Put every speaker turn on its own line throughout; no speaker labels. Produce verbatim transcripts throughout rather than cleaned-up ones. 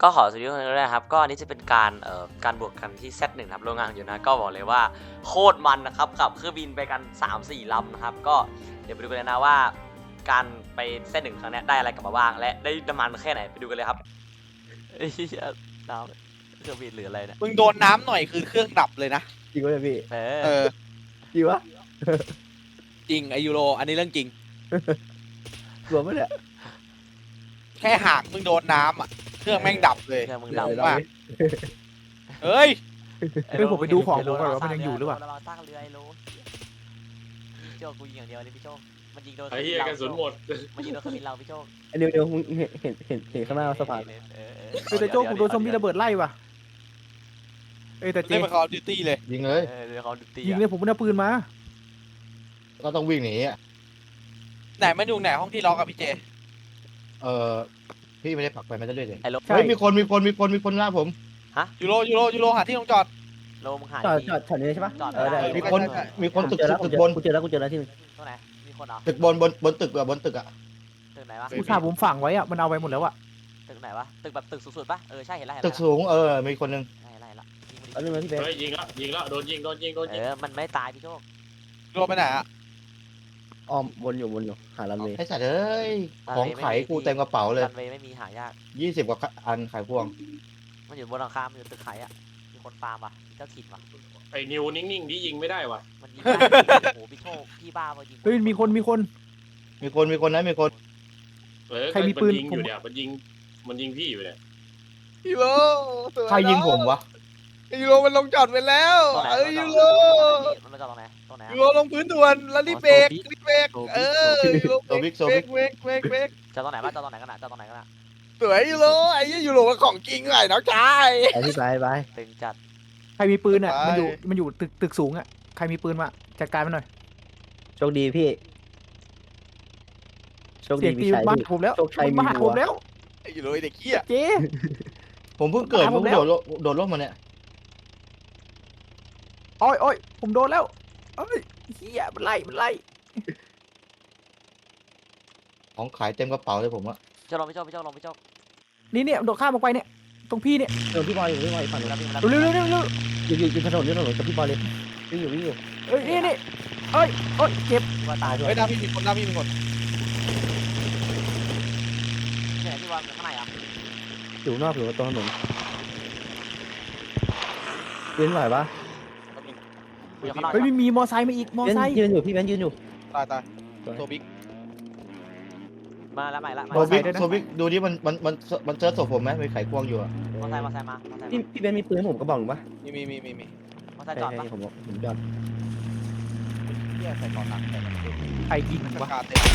ก็ขอสวัสดีทุกคนด้วยนะครับก็อันนี้จะเป็นการเอ่อการบวกกันที่ เซต หนึ่ง ครับโรงงานอยู่นะก็บอกเลยว่าโคตรมันนะครับกับเครื่องบินไปกัน สามสี่ ลำนะครับก็เดี๋ยวไปดูกันเลยนะว่าการไป เซต หนึ่ง ครั้งนี้ได้อะไรกลับมาบ้างและได้น้ำมันแค่ไหนไปดูกันเลยครับไอ้เหี้ยน้ำเครื่องบินหรืออะไรเนี่ย
มึงโดนน้ำหน่อยคือเครื่องดับเลยนะ
จริงวะเนี่ยพี่
เอ
เอ
อ
อ
จริงวะ
จริงไอยูโรอันนี้เรื่องจริง
กลัวปะเนี่ย
แค่หากมึงโดนน้ำอ่ะเครื่องแม่งดับเลย
เครื่องมึง
เดี๋
ดั
ยว
บ
เรา
มาก เฮ้ย
เฮ้ยผมไปดูของผมก่อนว่ามันยังอยู่หรือเปล่า
ระวังตั้งเรือไอ้โลพี่โจกูยิงอย่างเดียวเลยพี่โจมันยิงโดน
ไอ้เหี้ยกระสุนหมด
มันยิงโดนเครื่องบินเราพี่โจ
อันเดียวเดียวมึงเห็นเห็นเห็นเห็นข้างหน้าสะพาน
เออเออ
เฮ้ยแต่โจ้ผมโดนซอมบี้ระเบิดไล่ว่ะเอ้ยแต่เจ
เล่นเป็น Call of Duty เลย
ยิงเลย
เออเดี๋ยวเขาดูตี
ยิงเลยผมไม่ได้ปืนมา
ก็ต้องวิ่งหนีอ่ะ
ไหนมันอยู่ไหนห้องที่ล็อกกับพี่เจ
เออพี่ไม่ได้ผลักไปมันจะเรื่อยเลย
ไอ้โล
ใช่
เฮ้ยมีคนมีคนมีคนมีคนล่าผม
ยูโรยูโรยูโรหาที่ลงจอด
โลมึงหา
จอด
ดี
จอดจอดนี้ใช่ปะ
จอด
เออได้
ไม่ได้
มีคน
ใช่
มีคน
ผม
ตึก
เจอแล้วผ
ตึ
ม
ก
เจอบ
น
กูเจอแล้วกูเจอแล้วที่หนึง
ตรงไหนมีคนเหรอ
ตึกบนบนบนตึกอะบนตึกอะ
ตึกไหนวะ
ผู้ชายผมฝังไว้อะมันเอาไปหมดแล้วอะ
ตึกไหนวะตึกแบบตึกสูงๆปะเออใช่เห็นแล้วเห็น
ตึ
แล้ว
กสูงเออมีคนหนึง
เห็นแล้วเห็นแล้วยิงมัน
เอา
ดิ
เรื่องมาพี่เบน
เฮ้ยยิงแล้วยิงแล้วโดนยิงโดนยิงโดน
เอ
ยิง
อมันไม่ตายพี่โชค
ยูโรไปไหนอ่ะ
อ้อมวนอยู่วนอยู่หาลันเวย์
ไอ้สัตว์เอ้ยของขายกูเต็มกระเป๋าเลย
รันเวย์ไม่มีหายาก
ยี่สิบกว่าอันขายพวง
มันอยู่บนหลังคามันอยู่ตึกขายอ่ะมีคนฟาร์มว่ะมีเจ้าถิ่นว่ะ
ไอ้นิวนิ่งๆที่ยิงไม่ได้ว่ะ
มันยิงได้โอ้โหพี่โชคพี่บ้ามายิง
เฮ้ยมีคนมีคน
มีคนมีคนนะมีคน
เออ
ใครมีปืน
ยิงอยู่เนี่ยมันยิงมันยิงพี่อยู่เนี่ย
ยูโร
ใครยิงผมวะ
ยูโรมันลงจอดไปแล้ว
ตรงไหน
เอ้ยยูโร
มันมาจอดตรงไหนตรงไหน
ยูโรลงพื้นด่วนแล้วรีบเบรกรีบเบรกเออยูโร
โซบิกโซ
เบร
บิ
ก
ก
เบรกเบรกเบรก
จอดตรงไหนบ้างจอดตรงไหนกันอ่ะจอดตรงไหนกันอ่ะ
สวยยูโรไอ้ยี่ยูโรมันของจริงไงน้องชาย
ไปพี่ไปไป
ตึงจัด
ใครมีปืนอะ
ไป
มันอยู่มันอยู่ตึกตึกสูงอะใครมีปืนมาจัดการมันหน่อย
โชคดีพี่โชค
เสี
ดี
ยง
มี
ตี
ชัย
มา
พี่
หาผมแล้ว
โชคชัย
มันมา
มี
หา
หั
ผ
ว
มแล้ว
ไอ้ยูโรไอ้เด็กเหี้ย
เจ๊
ผมเพิ่งเกิด
มาผ
เพิ่
ม
ง
แล้ว
โดดลงโดดลงมาเนี่ย
โอ้ยโอ้ยผมโดนแล้วเอ้ยเฮียมันไล่มันไล่
ของขายเต็มกระเป๋าเลยผมอะ
เจ้าลงพี่โชคพี่โชคลงพี่โชค
นี่เนี่ยโดดข้ามออกไปเนี่ยตรงพี่เนี่ย
เออพี่บอยอยู่พี่บอยอยู่ฝั่ง
ดู
นู้
แล้
น
วพี่มา
เร็วเร็วเร็วเร็ว
อยู่อยู่อยู่ถนนอยู่ถนนกับพี่บอยเลยวิ่งอยู่วิ่งอยู่
เอ้ยนี่นี่เอ้ยเอ้ยเจ็บ
พี่ว่าตายด้วย
เฮ้ยหน้าพี่มีคนหน้าพี่มีคน
ที่ไหนพี่ว่าข้างในอ่ะ
อยู่นอกหรือว่าตรงถนนเว้นไหวปะ
อยู่ข้างนอก
เฮ้ยมีมีมอไซค์มาอีกมอ
เบน
ไซค์
ยืนอยู่พี่เบนยืนอยู่
ตายตายโซบิก
มาแล้วใหม่ละ
โซบิกโซบิกดูดิมันมันมันมันเจอศพผมไหมมีไขควงอยู่อะ
มอไซค์มอไซค์มามอไซค์
พี่พี่เบนมีปืนให้ผมกระบอกหนึ่งปะ
มีมีมีมีมี
มอไซ
ใช่
ค์จอด
ใช่
ปะ
ผมบอกผมจอด
เหี้ยใส่ก่อนหนักใส่ก่อนเต็ม
ใครยิง
ป
วะ
ระกาศเต็ม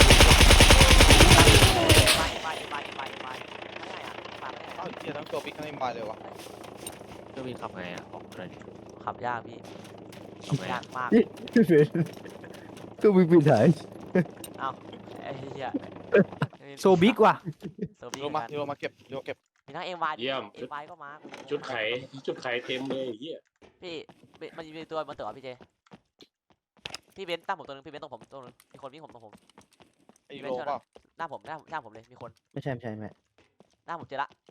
ไปไปไปไปไปไม่ได้อ่ะมาไม่ได้
เอ้าเหี้ยทั้งโซบิกทั้งเอ็มบายเลยวะ
เครื่องบินขับไงอ่ะบอกเลย
ขับยากพี่
ขับไง
ยากมาก
พี่เบนตู้มีปืนถ่าย
ไอ้เหี้ย
โซบิกว่ะ
โซบิ
ยูโรมายูโรมาเก็บยูโรเก็บ
มีทั้งเอ็มวาย
เยี่ยม
เอ็มวายก็มา
ชุดไขชุดไขเต็มเลยไอ้เหี้ย
พี่มันมีตัวมันเต๋อพี่เจพี่เบนตั้งผมตัวนึงพี่เบนตรงผมตัวนึงมีคนวิ่งผมตรงผม
ไอ้ยูโรเปล่า
หน้าผมหน้าหน้าผมเลยมีคน
ไม่ใช่ไม่ใช่ไม่
หน้าผมเจอละ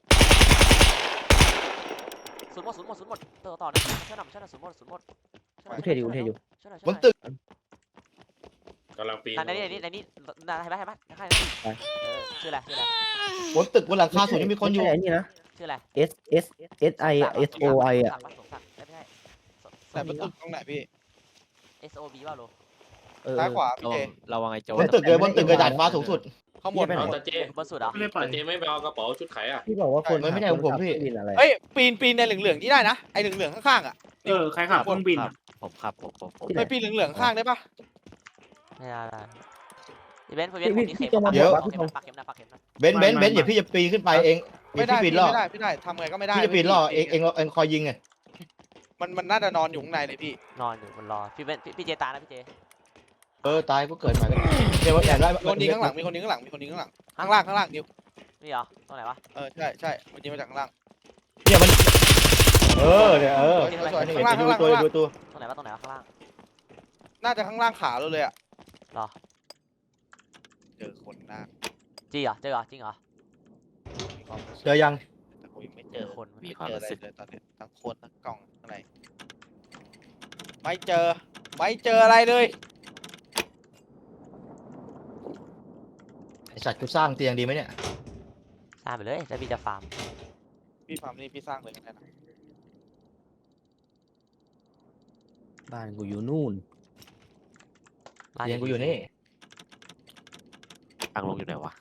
ศูนย์หมดศูนย์หมดศูนย์หมดเต๋อต่อช่วยหน่อยช่วยหน่อยศูนย์หมดศูนย์หมด
กูเทอยู่กูเทอยู่
ช่วยหน่อย
บนตึก
กำลังปีน
ในนี้ในนี้ในนี้เห็นไหมเห็นไหมใครเออชื่ออะไรชื่ออะไร
บนตึกบนหลังคาสูงยังมีคนอยู่
ไม่ใช่ไอ้นี่นะ
ชื่ออะไร
S S S I S O I อ่ะ
สมศักดิ์ไม่ใช่
แต่ประตูตรงไหนพี่
S O B ว่าโล
เออ
ซ้ายขวา
ระ
พี่
วั
เจ
งระวังไอ้โจ
บนตึกเลยบนตึกกระดาษฟ้าสูงสุด
ข้างบน
เอาแต่เจ
บนสุดเหรอ
แต่เจไม่ไปเอากระเป๋าชุดไขอ่ะ
พี่บอกว่าคน
มันไม่ได้ของผมพี่
บินอะไร
เฮ้ยปีนปีนในเหลืองๆนี่ได้นะไอ้เหลืองๆข้างๆอ่ะ
เออ ใครขับเครื่องบิน
ครั
อะ
บผมขับผมผมผม
ไปปีนเหลืองๆข้างได้ปะ
ไม่ได้อีเวนต์อีเวนต์ผมมีเข็มปักเข็มปักเข็มนะปักเข็มนะ
เบนซ์เบนซ์เบนซ์อย่าพี่จะปีนขึ้นไปเอง
ไม่ได้
พี่ปี
พี่
นล่อ
ไม่ได้ไม่ได้ทำไงก็ไม่ได้
พี่จะปีนล่อเองเองเองคอยยิงไง
มันมันน่าจะนอนอยู่ข้างในเลยพี่
นอนอยู่บนรอพี่เวนพี่เจตานะพี่เจ
เออตายก็เกิดใหม่แล้วเดี๋ยวแอบได้
มีคนยิงข้างหลังมีคนยิงข้างหลังมีคนยิงข้างหลังข้างล่างข้างล่างนิว
นี่เหรอตรงไหนวะ
เออใช่ใช่มันยิงมาจากข้างล่าง
เนี่ยมันเออเนี่ยเออ
สวยๆ
นี่
ข้างล่าง
ดู
ข้างล่าง
ตัว
ข้างล่าง
ดูตัว
ตรงไหนวะตรงไหนวะข้างล่าง
น่าจะข้างล่างขาเราเลยอ่ะ
หรอ
เจอคนหน้า
จริงเหรอเจอเหรอจริงเหรอ
เจอยัง
แต่ผมยังไม่
เจคนไหม
มี
ไม่
ความ
เจอ
รู้
อะไร
สึก
เลยตอนนี้ทั้งคนทั้งกล่องทั้งอะไรไม่เจอ ไม่เจออะไรเลย
ไอสัตว์กูสร้างเตียงดีไหมเนี่ย
สร้างไปเลยแล้วพี่จะฟาร์ม
พี่ฟาร์มนี่พี่สร้างเลยก็ได้นะ
บ้านกูอยู่นู่น
บ้าน
เตียงกูอยู่นี่
ทางลงอยู่ไหนวะ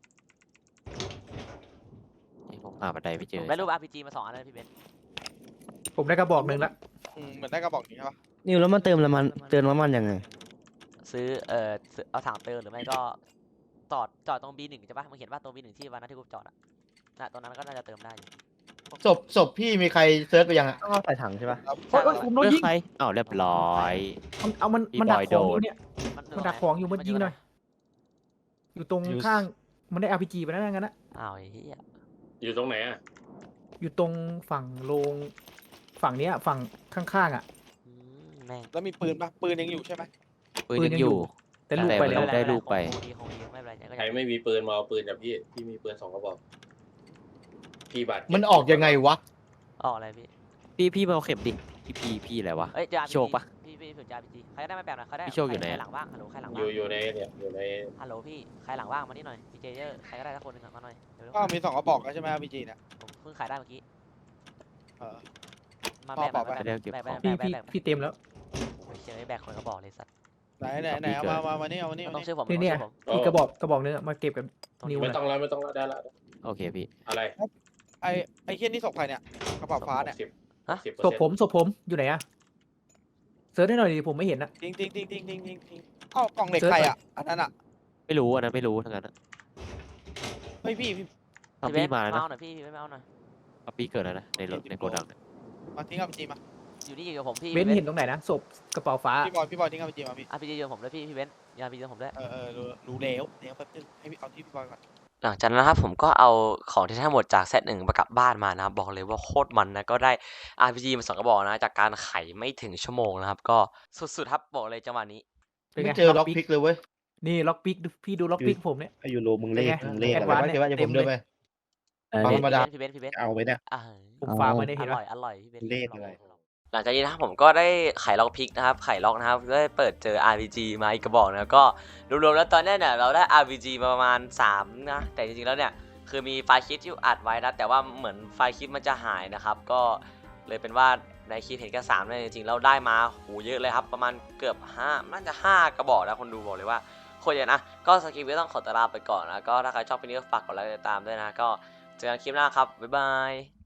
นี่ผมหาบันไดไม่เจ
ผ
อ
มได้รูป อาร์ พี จี มาสองอันเลยพี่เบนซ์
ผมได้กระบอกหนึ่งละ
อืมเหมือนได้กระบอกนี้ใช่ปะ
นิวแล้วมันเติมน้ำมันเติมน้ำมันยังไง
ซื้อเอ่อซื้อเอาถังเติมหรือไม่ก็จอดจอดตรง บี หนึ่ง ใช่ปะมึงเห็นว่าตรง บี หนึ่ง ที่วันนั้นที่กูจอดอะน่ะตรงนั้นก็น่าจะเติมได้อยู่
ศพศพพี่มีใครเซิร์ชไปยังอะ
ต้องเอาใส่ถังใช่ปะ
โอ๊ยโอ๊ยผมโดน
เลือก
ยิง
ใครอ้าวเรียบร้อย
มันเอามัน
พี่
มันดัก
บอย
ของอ
โดน
ยู่เนี่ย มันดักของอยู่มันยิงหน่อย อยู่ตรงข้าง มันได้ อาร์ พี จี ไปแล้วงั้นนะ
อ้าวไอ้เหี้ย
อยู่ตรงไหนอ่ะ
อยู่ตรงฝั่งโรงฝั่งเนี้ยฝั่งข้างๆอ่ะ
อืมแม่ง
แล้วมีปืนปะปืนยังอยู่ใช่ไหม
ปืน
ปืน
ยัง
ยัง
อ
อยู่
ยู่
แต่ลูกไปแล้ว
แต่ ได้รูปไป
คงดีคงดีไม่เป็นไรก็
ใครไม่มีปืนมาเอาปืนจากพี่ พี่มีปืนสองกระบอก พี่บาดเจ็บ
มันออกยังไงวะ
ออกอะไรพี่
พี่พี่มาเอาเข็มดิพี่พี่พี่อะไรวะ
เอ้ยเจอ อาร์ พี จี
โชคปะ
พี่พี่ถือ อาร์ พี จี ใครได้ไม่แปลกหน่อยใครได้
พี่โชคอยู่ไหน
ใคร
อะ
หลังว่างฮัลโหลใครหลัง
อ
ว่าง
ยู่อยู่ในเนี่ยอยู่ใน
ฮัลโหลพี่ใครหลังว่างมานี่หน่อยพี่เจเยอร์ใครก็ได้สักคนหนึ่งอะมาหน่อยเร็ว
ก็มีสองกระบอกแล้วใช่ไหมพีจีเนี่ย
ๆผมเพิ่งขายได้เมื่อกี้
เออ
มา
พ่อ
แบก
บอก
มา
ไป
แบกแบกแบกแบ
พี่
กแบ
พี่
กแบก
พี่เต็มแล้ว
โอ้ยเชยแบกคนก็บอกเลยสัตว์
ไหนไหนไหนเอามามามานี่เอามานี่
มัน
เอา
ต้อ
มาง นี่
ชื่อผม
นี่เนี่ย
ต้องชื่อผม
อีกกระบอกกระบอกนึงอะมาเก็บกับ
ต้อง
นิว
ไม่
หน่
ต้
อ
อย งแล้วไม่ต้องแล้วได้ละ
โอเคพี่
อะไร
ไอไอเคียนี่ศพใครเนี่ยกระเป๋าฟ้าเนี่ย
สิบสิบเปอร์
ศพ
เซ็นต์
ผมศพผมอยู่ไหนอะเซิร์ชให้หน่อยดิผมไม่เห็นอะ
ทิ้งทิ้งทิ้งทิ้งทิ้งทิ้งทิ้งเอ้ากล่องเหล็กใครอ่ะอันนั้นอ่ะ
ไม่รู้อันนั้นไม่รู้ทั้งนั้นอะ
เฮ้ยพี่พี่
ตอน
พี่
พี่
เบน
มา
ซ์
แล้ว
มา
นะ
เอาหน่อยพี่พี่เบนซ์มาเอาหน่อย
ตอนพี่เกิดแล้วนะในรถในโกดังเนี่ย
มาทิ้งเอาพีจีมา
อยู่นี่อยู่กับผมพี่
เบนซ์เห็นตรงไหนนะศพกระเป๋าฟ้า
พี่บอยพี่บอยทิ้งเอาพีจีมาพี่
อาร์ พี จี อยู่กับผมด้วยพี่พี่เบนซ์ยาพีจีกับผมด้วย
เออเออรู้รู้แล้วเดี๋ยวแป๊บนึงให้พี่เอาที่พี่บอยก่อน
หลังจากนั้นนะครับผมก็เอาของที่ทั้งหมดจากเซตหนึ่งมากลับบ้านมานะครับบอกเลยว่าโคตรมันนะก็ได้ อาร์ พี จี มาสองกระบอกนะจากการไขไม่ถึงชั่วโมงนะครับก็สุดๆครับบอกเลยจังหวะนี้
เป็น
ไม่
ไง
เจอล็อกพิกเลยเว้ย
นี่ล็อกปิกดูพี่ดูล็อกปิกผมเนี่ย
ไอยูโรมึงเลข
เป็นไง
มึงเลข
แอ
อะ
ด
ไร
วานซ์
วะเดี๋ยวว่า
เนี่ย
เดี๋ยวผม
เต็ม
เดิน
เล
ไป
ย
อัน
ธร
นี้
รมดา
พี่เบนซ์พี่เบนซ์
เอาไว้เนี่ย
อ่า
ผมฝากไว้เนี่ย
อ
เห็น
ร่
ปะ
อยอร่อยพี่เบนซ์
เลขอะไร
หลังจากนี้นะครับผมก็ได้ไขล็อกพิกนะครับไขล็อกนะครับก็ได้เปิดเจอ อาร์ พี จี มาอีกกระบอกนะก็รวมๆแล้วตอนนี้เนี่ยเราได้ อาร์ พี จี มาประมาณสามนะแต่จริงๆแล้วเนี่ยคือมีไฟล์คลิปที่อัดไว้นะแต่ว่าเหมือนไฟล์คลิปมันจะหายนะครับก็เลยเป็นว่าในคลิปเห็นแค่สามเนี่ยจริงๆแล้วได้มาโหเยอะเลยครับประมาณเกือบห้าน่าจะห้ากระบอกนะคนดูบอกเลยว่าโคตรเยอะนะก็สกิปไม่ต้องขอตัวลาไปก่อนนะก็ถ้าใครชอบคลิปนี้ก็ฝากกดไลค์ติดตามด้วยนะก็เจอกันคลิปหน้าครับบ๊ายบาย